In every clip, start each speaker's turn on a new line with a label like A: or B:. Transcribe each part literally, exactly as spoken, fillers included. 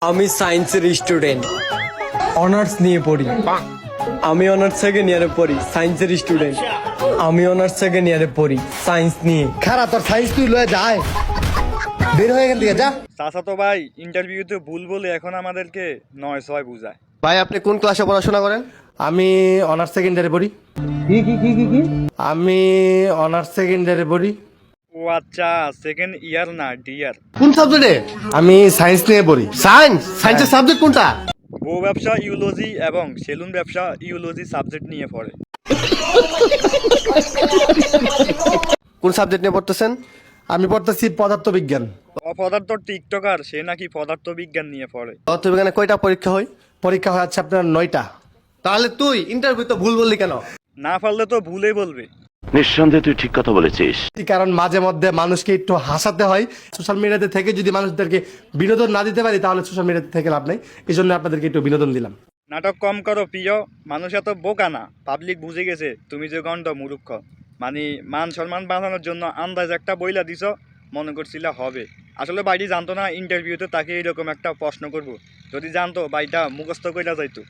A: আমি সায়েন্সের student, honours নিয়ে পড়ি। আমি অনার্স সেকেন্ড ইয়ারে পড়ি, সায়েন্সের স্টুডেন্ট। আমি অনার্স সেকেন্ড ইয়ারে পড়ি, সায়েন্স নিয়ে।
B: খারাপ তোর সায়েন্স তুই লয়ে যায় বের হয়ে গেল যা।
C: চাচা তো ভাই ইন্টারভিউতে ভুল বলে এখন আমাদেরকে নয় ছয় বুঝায়।
B: ভাই আপনি কোন ক্লাসে পড়াশোনা করেন?
D: আমি অনার্স সেকেন্ডারি পড়ি।
B: কি কি কি কি কি
D: আমি অনার্স সেকেন্ডারি পড়ি।
C: ও আচ্ছা, সেকেন্ড ইয়ার না ডিয়ার।
B: কোন সাবজেক্টে?
D: আমি সায়েন্স নিয়ে পড়ি।
B: সায়েন্স সায়েন্সের সাবজেক্ট কোনটা?
C: বউ ব্যবসা ইউলজি এবং সেলুন ব্যবসা ইউলজি সাবজেক্ট নিয়ে পড়ে।
B: কোন সাবজেক্ট নিয়ে পড়তেছেন?
D: আমি পড়তেছি পদার্থবিজ্ঞান।
C: অপদার্থ টিকটকার সে নাকি পদার্থ বিজ্ঞান নিয়ে পড়ে।
B: পদার্থবিজ্ঞানে কয়টা পরীক্ষা হয়?
D: পরীক্ষা হয়ে যাচ্ছে আপনার নয়টা।
B: তাহলে তুই ইন্টারভিউ তো ভুল বললি কেন?
C: না পারলে তো ভুলেই বলবে।
E: নিঃসন্দেহে তুই ঠিক কথা বলেছিস।
D: কারণ মাঝে মধ্যে মানুষকে একটু হাসাতে হয়। সোশ্যাল মিডিয়াতে থেকে যদি মানুষদেরকে বিনোদন না দিতে পারি তাহলে সোশ্যাল মিডিয়াতে থেকে লাভ নেই। এই জন্য আপনাদেরকে একটু বিনোদন দিলাম।
C: নাটক কম করো প্রিয়, মানুষ এত বোকা না, পাবলিক বুঝে গেছে তুমি যে গন্ড মূর্খ। মানে মান সম্মান বাঁচানোর জন্য আন্দাজ একটা বইলা দিছ, মনে করছিল হবে। আসলে বাইরে জানতো না ইন্টারভিউতে তাকে এরকম একটা প্রশ্ন করব। যদি জানতো বাইটা মুখস্থ কইরা যাইতো।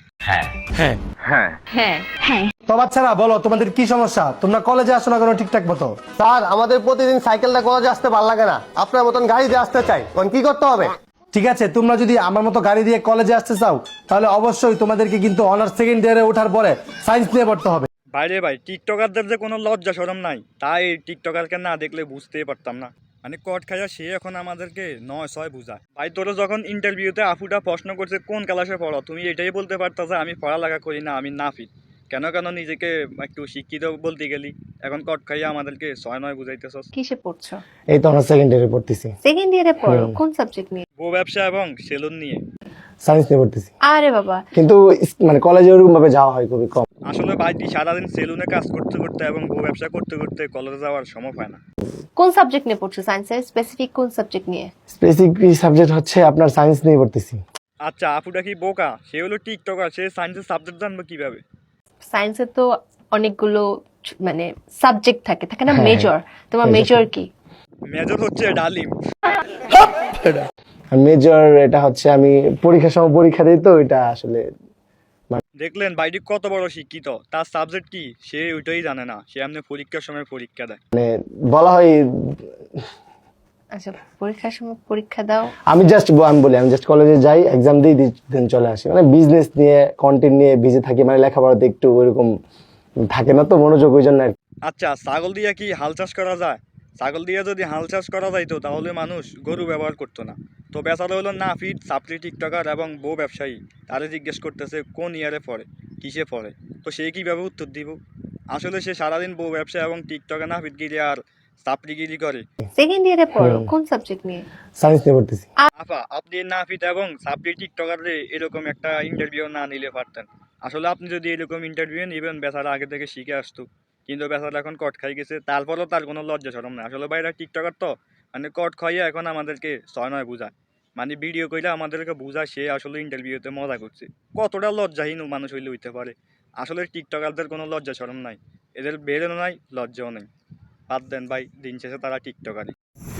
D: হ্যাঁ। তো বাচ্চারা বলো তোমাদের কি সমস্যা? তোমরা কলেজে আসো না কেন ঠিকঠাক মতো?
B: স্যার আমাদের প্রতিদিন সাইকেলটা কলেজে আসতে ভালো লাগে না, আপনার মতন গাড়িতে আসতে চাই। কোন কি করতে হবে?
D: ঠিক আছে, তোমরা যদি আমার মতো গাড়ি দিয়ে কলেজে আসতে চাও তাহলে অবশ্যই তোমাদেরকে কিন্তু অনার্স সেকেন্ড ইয়ারে ওঠার পরে সায়েন্স নিয়ে পড়তে হবে।
C: বাইরে ভাই টিকটকারদের যে কোনো লজ্জা শরম নাই, তাই এই টিকটকারকে না দেখলে বুঝতেই পারতাম না। মানে কট খাইয়া সে এখন আমাদেরকে নয় ছয় বুঝায়। ভাই তোরা যখন ইন্টারভিউতে আফুটা প্রশ্ন করছে কোন ক্লাসে পড়ো, তুমি এটাই বলতে পারতা যে আমি পড়ালেখা করি না, আমি নাফিদ। কেন কেন নিজেকে একটু শিক্ষিত বলতে গেলি, এখন কট খাইয়া আমাদেরকে ছয় নয় বুঝাইতেছস।
F: কিসে পড়ছো?
D: এই তো অনার্স সেকেন্ড ইয়ারে পড়তেছি।
F: সেকেন্ড ইয়ারে পড়ো? কোন সাবজেক্ট নিয়ে?
C: বউ ব্যবসা এবং সেলুন নিয়ে।
D: সায়েন্স নিয়ে পড়তেছি।
F: আরে বাবা,
D: কিন্তু মানে কলেজে ওরকম ভাবে যাওয়া হয় খুবই কম।
C: আসলে ভাইটি সারাদিন সেলুনে কাজ করতে করতে এবং বউ ব্যবসা করতে করতে কলেজে যাওয়ার সময় পায় না।
F: কোন সাবজেক্ট নিয়ে পড়ছো? সায়েন্সের স্পেসিফিক কোন সাবজেক্ট নিয়ে?
D: স্পেসিফিক সাবজেক্ট হচ্ছে আপনার সায়েন্স নিয়ে পড়তেছি।
C: আচ্ছা আপুটা কি বোকা? সে হলো টিকটকার, সে সায়েন্সের সাবজেক্ট জানবে কিভাবে?
F: সায়েন্সের তো অনেকগুলো ছ- মানে সাবজেক্ট থাকে থাকে না,
D: হ্যাঁ,
F: মেজর। তোমার
D: major
F: মেজর কি?
C: মেজর হচ্ছে ডালিম।
D: মেজর এটা হচ্ছে আমি পরীক্ষার সময় পরীক্ষা দিই তো এটা আসলে
C: দেখলেন বাইরে কত বড় শিক্ষিত, তার সাবজেক্ট কি সে ওইটাই জানে না, সে এমনি পরীক্ষার সময় পরীক্ষা দেয়।
D: মানে বলা হয়।
F: আচ্ছা, পরীক্ষার সময় পরীক্ষা দাও।
D: আমি জাস্ট আমি বলি আমি জাস্ট কলেজে যাই, এক্সাম দিই, দেন চলে আসি। মানে বিজনেস নিয়ে কন্টেন্ট নিয়ে বিজি থাকি, মানে লেখাপড়াতে একটু ওইরকম থাকে না তো মনোযোগ, ওই জন্য আর কি।
C: আচ্ছা ছাগল দিয়ে কি হাল চাষ করা যায়? ছাগল দিয়ে যদি হাল চাষ করা যাইতো তাহলে মানুষ গরু ব্যবহার করতো না। তো বেচারা হলো নাফিদ, সাপ্লি টিকটকার এবং বউ ব্যবসায়ী। তারে জিজ্ঞেস করতেছে কোন ইয়ারে পড়ে, কিসে পড়ে। তো সে কিভাবে উত্তর দিব? আসলে সে সারাদিন বউ ব্যবসা এবং টিকটকে নাফিদগিরি আর সাপ্লিগিরি করে।
F: সেকেন্ড ইয়ারে পড়ো? কোন সাবজেক্ট নিয়ে?
D: সায়েন্স নিয়ে পড়তেছি।
C: আপা আপনি নাফিদ এবং সাপ্লি টিকটকারে এরকম একটা ইন্টারভিউ না নিলে পারতেন। আসলে আপনি যদি এরকম ইন্টারভিউ নেবেন, বেচারা আগে থেকে শিখে আসতো। কিন্তু বেচারা এখন কট খাই গেছে, তারপরেও তার কোনো লজ্জা শরম নাই। আসলে বাইরে টিকটকার তো মানে কট খাইয়ে এখন আমাদেরকে ছয় নয় বুঝায়। মানে ভিডিও কইলে আমাদেরকে বুঝায় সে আসলে ইন্টারভিউতে মজা করছে। কতটা লজ্জাহীন মানুষ হইলে হইতে পারে। আসলে টিকটকারদের কোনো লজ্জা শরম নাই, এদের বেরোনো নাই, লজ্জাও নেই। বাদ দেন ভাই, দিন শেষে তারা টিকটকারই।